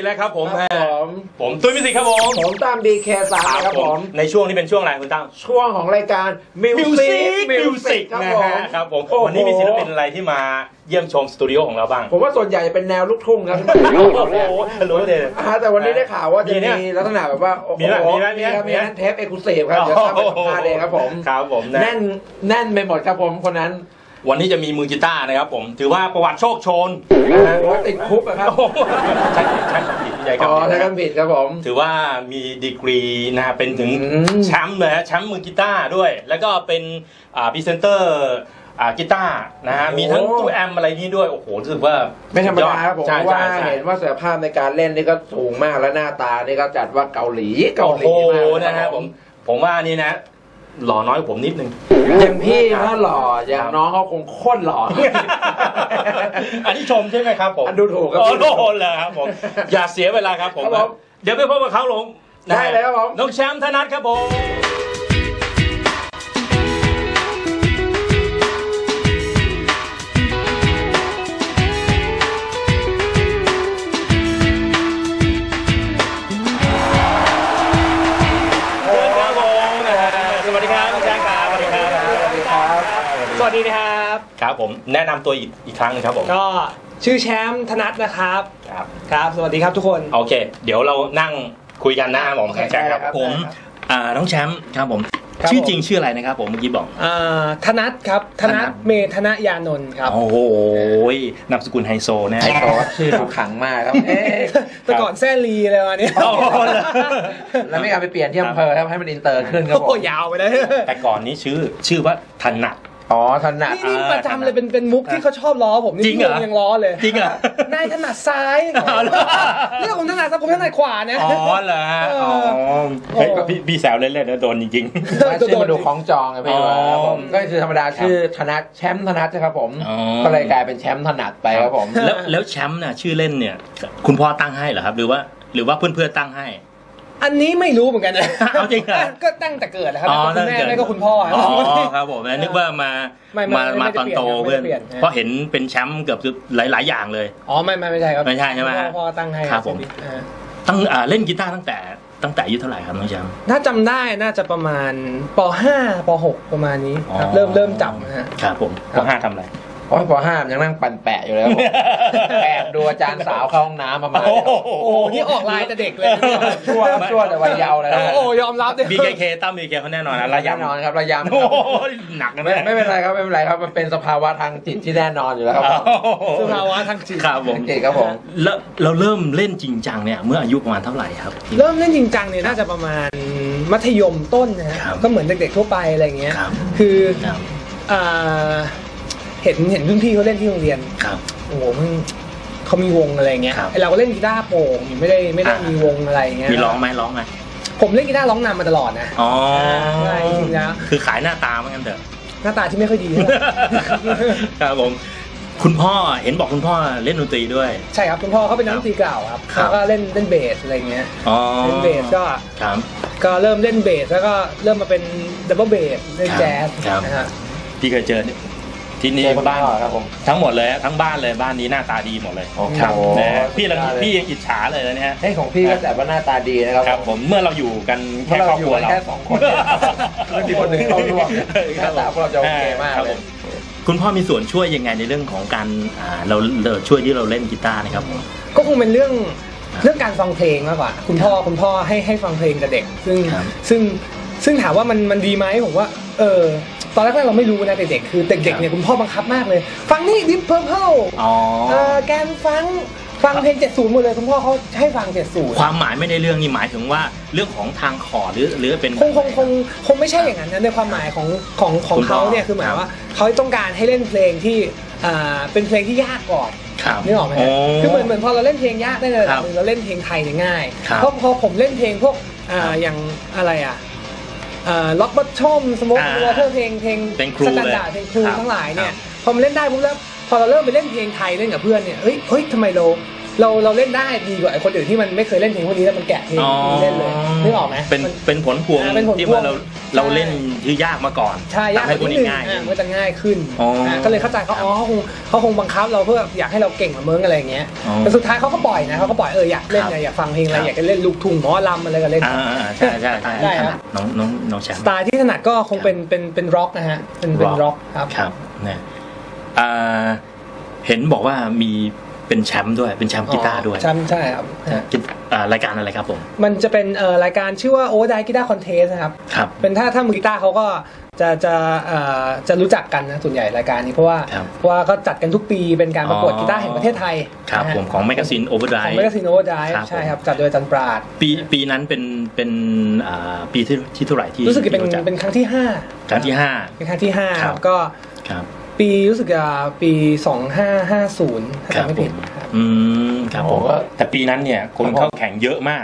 แล้วครับผมตุ้ยมิวสิกครับผมตั้ม DK3 นะครับผมในช่วงนี้เป็นช่วงอะไรคุณตั้มช่วงของรายการมิวสิกครับผมวันนี้มีศิลปินอะไรที่มาเยี่ยมชมสตูดิโอของเราบ้างผมว่าส่วนใหญ่จะเป็นแนวลูกทุ่งครับโอ้โหรู้เลยแต่วันนี้ได้ข่าวว่าจะมีลักษณะแบบว่ามีเทปเอ็กซ์คลูซีฟครับเดี๋ยวตั้มไปสัมภาษณ์เองครับผมแน่นไปหมดครับผมคนนั้นวันนี้จะมีมือกีตาร์นะครับผมถือว่าประวัติโชคโชนว่าติดคุกครับใช่ผิดใหญ่ครับใช่คำผิดครับผมถือว่ามีดีกรีนะฮะเป็นถึงแชมป์เลยแชมป์มือกีตาร์ด้วยแล้วก็เป็นพรีเซนเตอร์กีตาร์นะฮะมีทั้งตู้แอมอะไรนี่ด้วยโอ้โหรู้สึกว่าไม่ธรรมดาครับผมว่าเห็นว่าศักยภาพในการเล่นนี่ก็สูงมากและหน้าตานี่ก็จัดว่าเกาหลีมากนะครับผมว่านี่นะหล่อน้อยกว่าผมนิดนึงอย่างพี่ถ้าหล่ออย่างน้องเขาคงโคตรหล่ออันนี้ชมใช่ไหมครับผมดูถูกครับโอ้โหเลยครับผมอย่าเสียเวลาครับผมเดี๋ยวไปพบกับเขาลงได้เลยครับผมน้องแชมป์ธนัทครับผมสวัสดีนะครับครับผมแนะนำตัวอีกครั้งนึงครับผมก็ชื่อแชมป์ธนัทนะครับครับสวัสดีครับทุกคนโอเคเดี๋ยวเรานั่งคุยกันนะผมแชมป์ครับผมน้องแชมป์ครับผมชื่อจริงชื่ออะไรนะครับผมเมื่อกี้บอกธนัทครับธนัทเมธนยานนท์ครับโอ้โหนามสกุลไฮโซนะไฮโซชื่อขังมากครับแต่ก่อนแซ่ลีอะไรมาเนี่ยแล้วไม่เอาไปเปลี่ยนที่อำเภอครับให้มันอินเตอร์ขึ้นครับผมยาวไปเลยแต่ก่อนนี้ชื่อว่าธนัทถนัดนี่ประจำเลยเป็นมุกที่เขาชอบล้อผมนี่จริงเหรอยังล้อเลยจริงเหรอนายถนัดซ้ายเรื่องผมถนัดซ้ายผมถนัดขวาเนี่ยอ๋อเหรอพี่แซวเล่นๆนะโดนจริงๆชื่อมาดูของจองไงพี่ผมก็คือธรรมดาชื่อธนัทแชมป์ธนัทครับผมก็เลยกลายเป็นแชมป์ถนัดไปครับผมแล้วแชมป์น่ะชื่อเล่นเนี่ยคุณพ่อตั้งให้เหรอครับหรือว่าเพื่อนตั้งให้อันนี้ไม่รู้เหมือนกันนะเอาจริงเหรอก็ตั้งแต่เกิดนะครับคุณแม่ไม่ก็คุณพ่อครับผมนึกว่ามาตอนโตเพื่อนเพราะเห็นเป็นแชมป์เกือบหลายอย่างเลยไม่ใช่ครับไม่ใช่ใช่ไหมพ่อตั้งให้ครับผมตั้งเล่นกีตาร์ตั้งแต่อายุเท่าไหร่ครับน้องแชมป์ถ้าจำได้น่าจะประมาณป.5 ป.6 ประมาณนี้ครับเริ่มจับนะฮะครับผมป.5 ทำอะไรป.5 ยังนั่งปั่นแปะอยู่แล้วแอบดูอาจารย์สาวเข้าห้องน้ำประมาณโอ้นี่ออกลายแต่เด็กเลยชั่วแต่วัยเยาว์เลยโอ้ยอมรับเลย BKK ตั้ม BKK เขาแน่นอนนะระยำนอนครับระยำหนักนะไม่เป็นไรครับมันเป็นสภาวะทางจิตที่แน่นอนอยู่แล้วครับสภาวะทางจิตครับผมครับผมแล้วเราเริ่มเล่นจริงจังเนี่ยเมื่ออายุประมาณเท่าไหร่ครับเริ่มเล่นจริงจังเนี่ยน่าจะประมาณมัธยมต้นนะฮะก็เหมือนเด็กๆทั่วไปอะไรอย่างเงี้ยคือเห็นรุ่นพี่เขาเล่นที่โรงเรียนโอ้โหเขามีวงอะไรเงี้ยเราก็เล่นกีตาร์โปร่งไม่ได้มีวงอะไรเงี้ยมีร้องไหมผมเล่นกีตาร์ร้องนำมาตลอดนะใช่จริงนะคือขายหน้าตาเหมือนกันเถอะหน้าตาที่ไม่ค่อยดีครับผมคุณพ่อเห็นบอกคุณพ่อเล่นดนตรีด้วยใช่ครับคุณพ่อเขาเป็นนักดนตรีเก่าครับแล้วก็เล่นเบสอะไรเงี้ยเล่นเบสก็เริ่มเล่นเบสแล้วก็เริ่มมาเป็นดับเบิลเบสเล่นแจ๊สนะฮะพี่เคยเจอที่นี่บ้านครับผมทั้งหมดเลยทั้งบ้านเลยบ้านนี้หน้าตาดีหมดเลยครับพี่ยังอิจฉาเลยนะเนี่ยของพี่ก็แต่ว่าหน้าตาดีนะครับผมเมื่อเราอยู่กันแค่ครอบครัวเราแค่2 คนไม่มีคนหนึ่งเข้าร่วมหน้าตาพวกเราจะโอเคมากเลยคุณพ่อมีส่วนช่วยยังไงในเรื่องของการเราช่วยที่เราเล่นกีตาร์นะครับก็คงเป็นเรื่องการฟังเพลงมากกว่าคุณพ่อให้ฟังเพลงกับเด็กซึ่งถามว่ามันดีไหมผมว่าตอนแรกเราไม่รู้นะเด็กๆคือเด็กๆเนี่ยคุณพ่อบังคับมากเลยฟังนี่ดิปเพิร์ลแกนฟังเพลง70หมดเลยคุณพ่อเขาให้ฟัง70 ความหมายไม่ได้เรื่องนี่หมายถึงว่าเรื่องของทางคอร์ดหรือเป็นคงไม่ใช่อย่างนั้นนะในความหมายของเขาเนี่ยคือหมายว่าเขาต้องการให้เล่นเพลงที่เป็นเพลงที่ยากก่อนนึกออกไหมคือเหมือนพอเราเล่นเพลงยากได้ในระดับนึงเราเล่นเพลงไทยเนี่ยง่ายเพราะพอผมเล่นเพลงพวกอย่างอะไรล็อกบัตชอมสโมกวอเตอร์เพลงสแตนดาร์ดเพลงครูทั้งหลายเนี่ยพอมาเล่นได้ปุ๊บแล้วพอเราเริ่มไปเล่นเพลงไทยเล่นกับเพื่อนเนี่ยเฮ้ยทำไมเราเราเล่นได้ดีกว่าไอ้คนอื่นที่มันไม่เคยเล่นเพลงพวกนี้แล้วมันแกะเพลงเล่นเลยนึกออกไหมเป็นผลพวงที่ว่าเราเล่นที่ยากมาก่อนใช่ยากขึ้นง่ายมันจะง่ายขึ้นก็เลยเข้าใจเขาคงบังคับเราเพื่ออยากให้เราเก่งกว่าเมืองอะไรอย่างเงี้ยแต่สุดท้ายเขาก็ปล่อยนะเขาก็ปล่อยอยากเล่นอยากฟังเพลงอะไรอยากจะเล่นลูกทุ่งหมอลำอะไรก็เล่นใช่ได้ครับน้องแชมป์สไตล์ที่ถนัดก็คงเป็นร็อกนะฮะเป็นร็อกครับเนี่ยเห็นบอกว่ามีเป็นแชมป์ด้วยเป็นแชมป์กีตาร์ด้วยแชมป์ใช่ครับรายการอะไรครับผมมันจะเป็นรายการชื่อว่า Overdrive Guitar Contest นะครับเป็นถ้ามือกีตาร์เขาก็จะรู้จักกันนะส่วนใหญ่รายการนี้เพราะว่าก็จัดกันทุกปีเป็นการประกวดกีตาร์แห่งประเทศไทยครับผมของแมกกาซีน Overdrive ของแมกกาซีน Overdrive ใช่ครับจัดโดยอาจารย์ปราดปีนั้นเป็นปีที่เท่าไหร่ที่รู้สึกจะเป็นครั้งที่5เป็นครั้งที่5ครับก็ปีรู้สึกจะปี2550ถ้าจำไม่ผิดครับผมแต่ปีนั้นเนี่ยคนเข้าแข่งเยอะมาก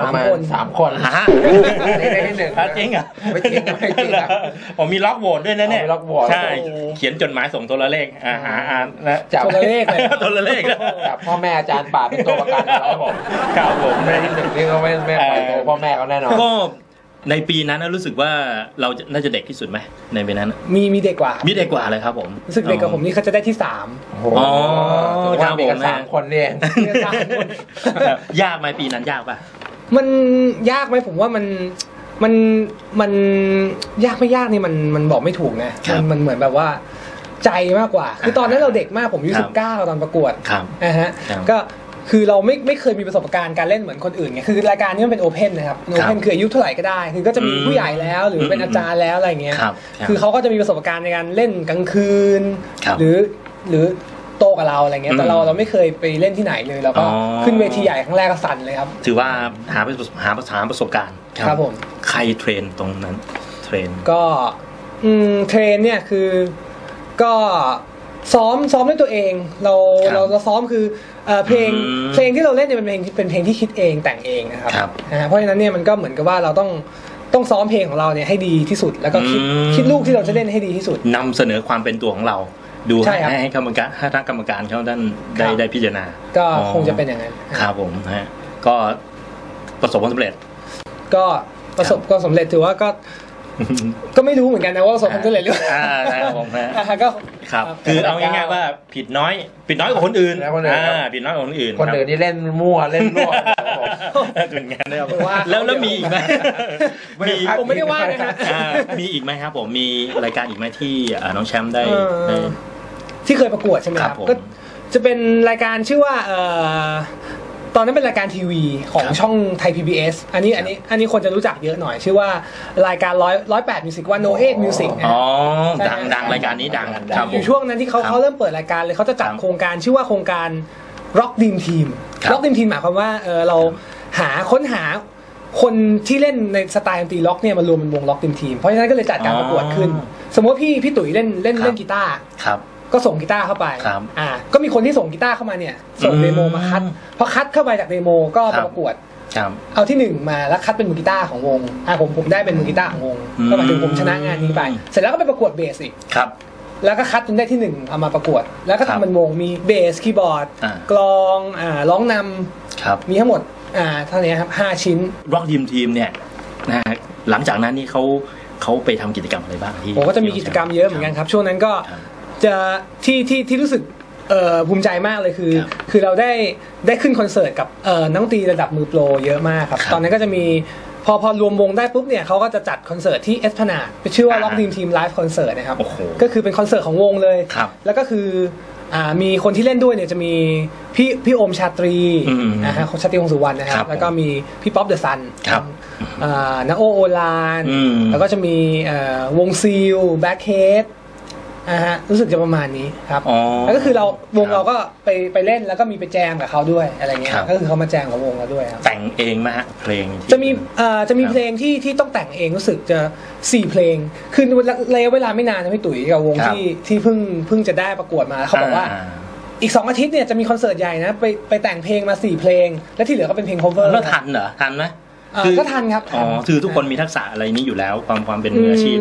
3 คนได้ที่1จริงอ่ะไม่จริงผมมีล็อกโหวตด้วยนะเนี่ยใช่เขียนจดหมายส่งโทรเลขจับโทรเลขจับพ่อแม่อาจารย์ป่าเป็นตัวประกันครับผมไม่ได้ที่1นี่ก็ไม่ปล่อยตัวพ่อแม่เขาแน่นอนก็ในปีนั้นรู้สึกว่าเราน่าจะเด็กที่สุดไหมในปีนั้นมีเด็กกว่าเลยครับผมรู้สึกเด็กกับผมนี่เขาจะได้ที่3 อ๋อครับผม3 คนเนี่ยยากไหมปีนั้นยากป่ะมันยากไหมผมว่ามันยากไม่ยากนี่มันบอกไม่ถูกนะมันเหมือนแบบว่าใจมากกว่าคือตอนนั้นเราเด็กมากผมอายุ19ตอนประกวดนะฮะก็คือเราไม่เคยมีประสบการณ์การเล่นเหมือนคนอื่นไงคือรายการนี้มันเป็นโอเพนนะครับโอเพนคืออายุเท่าไหร่ก็ได้คือก็จะมีผู้ใหญ่แล้วหรือเป็นอาจารย์แล้วอะไรเงี้ยคือเขาก็จะมีประสบการณ์ในการเล่นกลางคืนหรือโตกับเราอะไรเงี้ยแต่เราไม่เคยไปเล่นที่ไหนเลยแล้วก็ขึ้นเวทีใหญ่ครั้งแรกก็สั่นเลยครับถือว่าหาประสบการณ์ครับผมใครเทรนตรงนั้นเทรนก็เทรนเนี่ยคือก็ซ้อมด้วยตัวเองเราซ้อมคือเพลงที่เราเล่นเนี่ยเป็นเพลงที่คิดเองแต่งเองนะครับเพราะฉะนั้นเนี่ยมันก็เหมือนกับว่าเราต้องซ้อมเพลงของเราเนี่ยให้ดีที่สุดแล้วก็คิดลูกที่เราจะเล่นให้ดีที่สุดนำเสนอความเป็นตัวของเราดูให้กรรมการเขาได้พิจารณาก็คงจะเป็นอย่างนั้นครับผมฮะก็ประสบความสำเร็จก็ประสบความสำเร็จถือว่าก็ไม่รู้เหมือนกันนะว่าประสบความสำเร็จหรือครับผมฮะก็ครับคือเอาง่ายๆว่าผิดน้อยกว่าคนอื่นผิดน้อยกว่าคนอื่นคนอื่นนี่เล่นมั่วเล่นรั่วเป็นงานได้แล้วมีอีกไหมผมไม่ได้ว่านะฮะมีอีกไหมครับผมมีรายการอีกไหมที่น้องแชมป์ได้ที่เคยประกวดใช่ไหมครับก็จะเป็นรายการชื่อว่าตอนนั้นเป็นรายการทีวีของช่องไทย PBS อันนี้คนจะรู้จักเยอะหน่อยชื่อว่ารายการ108 Music 108 Music อ๋อดังรายการนี้ดังอยู่ช่วงนั้นที่เขาเริ่มเปิดรายการเลยเขาจะจัดโครงการชื่อว่าโครงการ Rock Dream Team Rock Dream Team หมายความว่าเราค้นหาคนที่เล่นในสไตล์ดนตรีล็อกเนี่ยมารวมเป็นวง Rock Dream Team เพราะฉะนั้นก็เลยจัดการประกวดขึ้นสมมติพี่ตุ๋ยเล่นกีตาร์ก็ส่งกีตาร์เข้าไปก็มีคนที่ส่งกีตาร์เข้ามาเนี่ยส่งเดโมมาคัดพอคัดเข้าไปจากเดโมก็ประกวดเอาที่1มาแล้วคัดเป็นมือกีตาร์ของวงผมได้เป็นมือกีตาร์ของวงก็หมายถึงผมชนะงานนี้ไปเสร็จแล้วก็ไปประกวดเบสอีกแล้วก็คัดจนได้ที่1เอามาประกวดแล้วก็ทำเป็นวงมีเบสคีย์บอร์ดกลองร้องนำมีทั้งหมดเท่านี้ครับ5 ชิ้น Rock Dream Team เนี่ยนะหลังจากนั้นนี่เขาไปทำกิจกรรมอะไรบ้างที่ผมก็จะมีกิจกรรมเยอะเหมือนกันครับช่วงนั้นก็จะที่รู้สึกภูมิใจมากเลยคือเราได้ขึ้นคอนเสิร์ตกับนักดนตรีระดับมือโปรเยอะมากครับตอนนั้นก็จะมีพอรวมวงได้ปุ๊บเนี่ยเขาก็จะจัดคอนเสิร์ตที่เอสพนาดชื่อว่า Rock Dream Team Live Concert นะครับก็คือเป็นคอนเสิร์ตของวงเลยแล้วก็คือมีคนที่เล่นด้วยเนี่ยจะมีพี่โอมชาตรีนะฮะชาตรีวงสุวรรณนะครับแล้วก็มีพี่ป๊อปเดอะซันนาโอลานแล้วก็จะมีวงซีลแบ็คเฮดรู้สึกจะประมาณนี้ครับแล้วก็คือวงเราก็ไปเล่นแล้วก็มีไปแจมกับเขาด้วยอะไรเงี้ยก็คือเขามาแจมกับวงเราด้วยครับแต่งเองไหมฮะเพลงจะมีเพลงที่ต้องแต่งเองรู้สึกจะ4 เพลงคือระยะเวลาไม่นานนะพี่ตุ๋ยกับวงที่เพิ่งจะได้ประกวดมาเขาบอกว่าอีก2 อาทิตย์เนี่ยจะมีคอนเสิร์ตใหญ่นะไปแต่งเพลงมา4 เพลงและที่เหลือก็เป็นเพลง cover แล้วทันเหรอทันไหมก็ทันครับคือทุกคนมีทักษะอะไรนี้อยู่แล้วความเป็นมืออาชีพ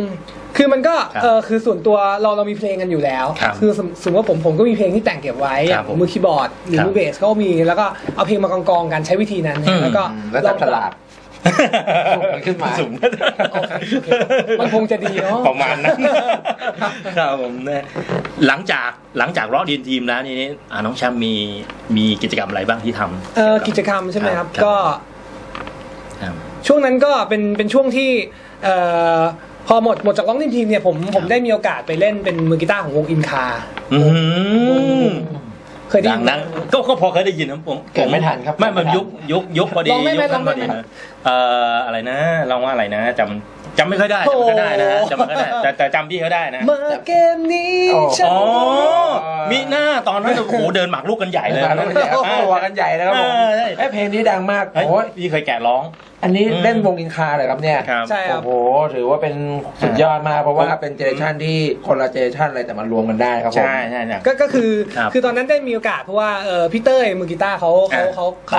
คือมันก็คือส่วนตัวเรามีเพลงกันอยู่แล้วคือสมมติว่าผมก็มีเพลงที่แต่งเก็บไว้มือคีย์บอร์ดหรือมือเบสก็มีแล้วก็เอาเพลงมากองกันใช้วิธีนั้นแล้วก็ลองฉลาดขึ้นมาสูงมันคงจะดีเนาะประมาณนั้นครับผมเนี่ยหลังจากร็อกดีนทีมแล้วนี่น้องแชมป์มีกิจกรรมอะไรบ้างที่ทำกิจกรรมใช่ไหมครับก็ช่วงนั้นก็เป็นช่วงที่พอหมดจากร็อกดีนทีมเนี่ยผมได้มีโอกาสไปเล่นเป็นมือกีตาร์ของวงอินคาเคยได้ยินก็พอเคยได้ยินนะผมไม่ทันครับไม่มันยุคพอดียุคนั้นพอดีอะไรนะลองว่าอะไรนะจำไม่ค่อยได้จำไม่ได้นะจำไม่ค่อยได้แต่จำพี่เขาได้นะมาเกมนี้อ๋อมีหน้าตอนนั้นโอ้โหเดินหมากรุกกันใหญ่เลยตัวกันใหญ่แล้วครับผมเพลงนี้ดังมากโอ้ยพี่เคยแกะร้องอันนี้เล่นวงอินคาเลยครับเนี่ยใช่ครับโอ้โหถือว่าเป็นสุดยอดมากเพราะว่าเป็นเจเนอเรชันที่คนละเจเนอเรชันอะไรแต่มารวมกันได้ครับผมใช่ก็คือตอนนั้นได้มีโอกาสเพราะว่าพี่เต้ยมือกีตาร์เขาข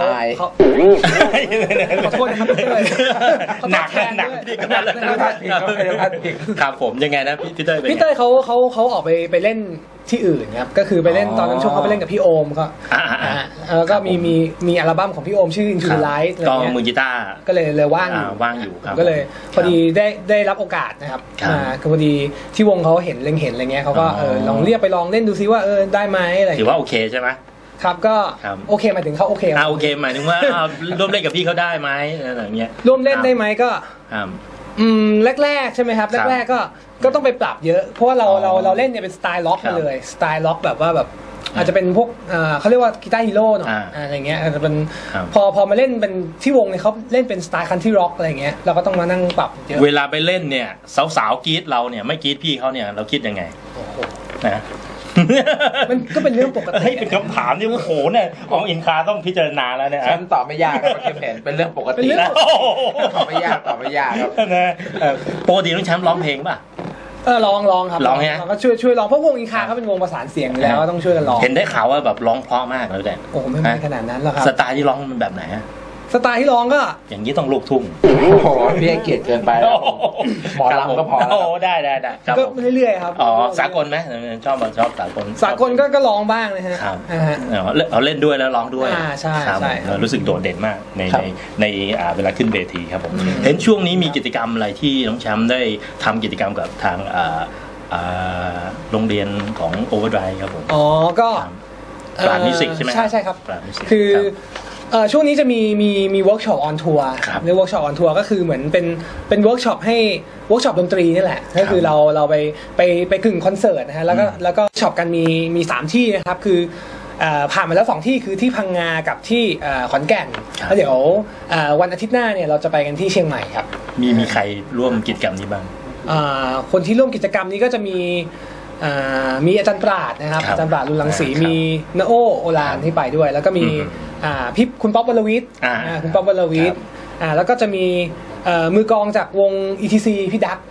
อโทษนะครับพี่เต้ยหนักพี่ก็นั่นแหละครับผมยังไงนะพี่เต้ยเขาออกไปเล่นที่อื่นครับก็คือไปเล่นตอนนั้นช่วงเขาไปเล่นกับพี่โอมก็แล้วก็มีอัลบั้มของพี่โอมชื่อ Into the Light อะไรเงี้ยมือกีตาร์ก็เลยว่างอยู่ครับก็เลยพอดีได้รับโอกาสนะครับก็พอดีที่วงเขาเห็นอะไรเงี้ยเขาก็ลองเรียกไปลองเล่นดูซิว่าได้ไหมอะไรถือว่าโอเคใช่ไหมครับก็โอเคหมายถึงเขาโอเคโอเคหมายถึงว่าร่วมเล่นกับพี่เขาได้ไหมอะไรเงี้ยร่วมเล่นได้ไหมก็แรกๆใช่ไหมครับแรกๆก็ต้องไปปรับเยอะเพราะว่าเราเล่นเนี่ยเป็นสไตล์ล็อกมาเลยสไตล์ล็อกแบบว่าแบบอาจจะเป็นพวกเขาเรียกว่ากีตาร์ฮีโร่หน่อยอะไรเงี้ยอาจจะเป็นพอมาเล่นเป็นที่วงเนี่ยเขาเล่นเป็นสไตล์คันทรีร็อกอะไรเงี้ยเราก็ต้องมานั่งปรับเยอะเวลาไปเล่นเนี่ยสาวๆกรี๊ดเราเนี่ยไม่กรี๊ดพี่เขาเนี่ยเราคิดยังไงนะมันก็เป็นเรื่องปกติเป็นคำถามที่โอ้โหเนี่ยของอินคาต้องพิจารณาแล้วเนี่ยฉันตอบไม่ยากครับเข้มแข็งเป็นเรื่องปกติตอบไม่ยากครับนะปกติน้องแชมป์ร้องเพลงป่ะร้องครับร้องไงก็ช่วยร้องเพราะวงอินคาเขาเป็นวงประสานเสียงอยู่แล้วต้องช่วยกันร้องเห็นได้ข่าวว่าแบบร้องเพราะมากเลยแต่โอ้ไม่ขนาดนั้นหรอกครับสไตล์ที่ร้องมันแบบไหนสไตล์ที่ร้องก็อย่างนี้ต้องลูกทุ่งโอ้โหพี่ให้เกียรติเกินไปหมอลำก็พอแล้วได้ก็เรื่อยๆครับอ๋อสากลไหมชอบสากลก็ร้องบ้างนะฮะเอาเล่นด้วยแล้วร้องด้วยใช่รู้สึกโดดเด่นมากในเวลาขึ้นเวทีครับผมเห็นช่วงนี้มีกิจกรรมอะไรที่น้องแชมป์ได้ทำกิจกรรมกับทางโรงเรียนของโอเวอร์ไดรฟ์ครับผมอ๋อก็ปราดมิวสิกใช่ไหมใช่ครับคือช่วงนี้จะมีเวิร์กช็อปออนทัวร์เรียกเวิร์กช็อปออนทัวร์ก็คือเหมือนเป็นเวิร์กช็อปให้เวิร์กช็อปดนตรีนี่แหละก็คือเราไปกึ่งคอนเสิร์ตนะฮะแล้วก็ช็อปกันมี3ที่นะครับคือผ่านมาแล้ว2ที่คือที่พังงากับที่ขอนแก่นแล้วเดี๋ยววันอาทิตย์หน้าเนี่ยเราจะไปกันที่เชียงใหม่ครับมีใครร่วมกิจกรรมนี้บ้างคนที่ร่วมกิจกรรมนี้ก็จะมีอาจารย์ปราดนะครับอาจารย์ปราดรุนรังสีมีณโอลานที่ไปด้วยแล้วก็มีพี่คุณป๊อปวรวิทย์คุณป๊อปวรวิทย์แล้วก็จะมีมือกลองจากวง ETC พี่ดัก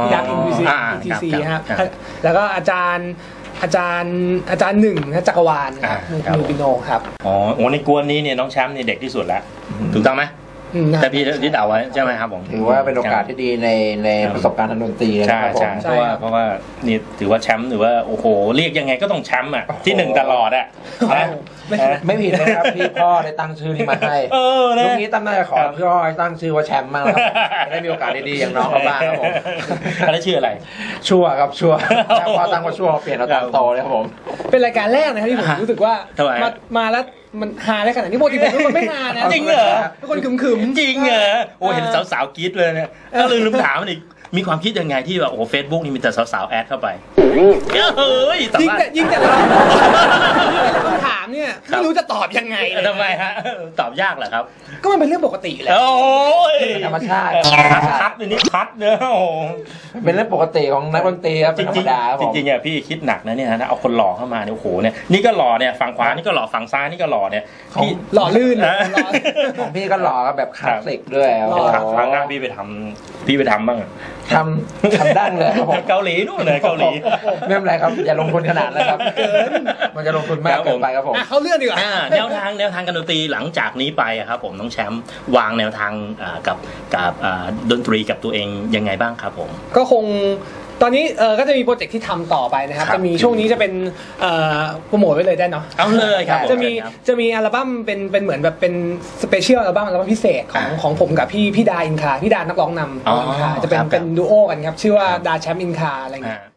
ETC ครับแล้วก็อาจารย์หนึ่งจักรวาลครับมือปิโนครับอ๋อในกวนนี้เนี่ยน้องแชมป์นี่เด็กที่สุดแล้วถูกต้องไหมแต่พี่ที่เดาไว้ใช่ไหมครับผมถือว่าเป็นโอกาสที่ดีในประสบการณ์ทางดนตรีนะครับผมเพราะว่านี่ถือว่าแชมป์หรือว่าโอ้โหเรียกยังไงก็ต้องแชมป์อ่ะที่1ตลอดอ่ะไม่ผิดนะครับพี่พ่อได้ตั้งชื่อนี้มาให้ลูกนี้ตั้งใจขอพี่พ่อตั้งชื่อว่าแชมป์มากครับได้มีโอกาสดีๆอย่างน้องเขาบ้างครับผมแล้วชื่ออะไรชั่วครับชั่วพ่อตั้งว่าชั่วเปลี่ยนเราตามโตเลยครับผมเป็นรายการแรกนะครับที่ผมรู้สึกว่ามาแล้วมันฮาได้ขนาดนี้ปกติผมเป็นคนไม่ฮานะจริงเหรอเป็นคนขึมจริงเหรอโอ้เห็นสาวๆกรี๊ดเลยเนี่ยก็ลืมถามมันอีกมีความคิดยังไงที่แบบโอ้เฟซบุ๊กนี่มีแต่สาวๆแอดเข้าไปเฮ้ยยิ่งแต่เราคำถามเนี่ยไม่รู้จะตอบยังไงทำไมฮะตอบยากเหรอครับก็มันเป็นเรื่องปกติแหละโอ้ยธรรมชาติคัดนี่คัดเนอะโอ้เป็นเรื่องปกติของนักดนตรีครับจริงๆอ่ะพี่คิดหนักนะเนี่ยนะเอาคนหล่อเข้ามาเนี่ยโอ้โหเนี่ยนี่ก็หล่อเนี่ยฝั่งขวานี่ก็หล่อฝั่งซ้ายนี่ก็หล่อเนี่ยพี่หล่อลื่นของพี่ก็หล่อแบบคลาสสิกด้วยครั้งหน้าพี่ไปทำบ้างทำดั้งเลยครับผมเกาหลีนู่นเลยเกาหลีไม่เป็นไรครับอย่าลงทุนขนาดนั้นครับมันจะลงทุนมากเกินไปครับผมเขาเลื่อนดีกว่าแนวทางการดนตรีหลังจากนี้ไปครับผมน้องแชมป์วางแนวทางกับดนตรีกับตัวเองยังไงบ้างครับผมก็คงตอนนี้ก็จะมีโปรเจกต์ที่ทำต่อไปนะครับจะมีช่วงนี้จะเป็นโปรโมทไว้เลยได้เนาะเอาเลยครับจะมีอัลบั้มเป็นเหมือนแบบเป็นสเปเชียลอัลบั้มพิเศษของผมกับพี่ดาอินคาพี่ดานักร้องนำอินคาจะเป็นดูโอกันครับชื่อว่าดาแชมป์อินคาอะไรอย่างเงี้ย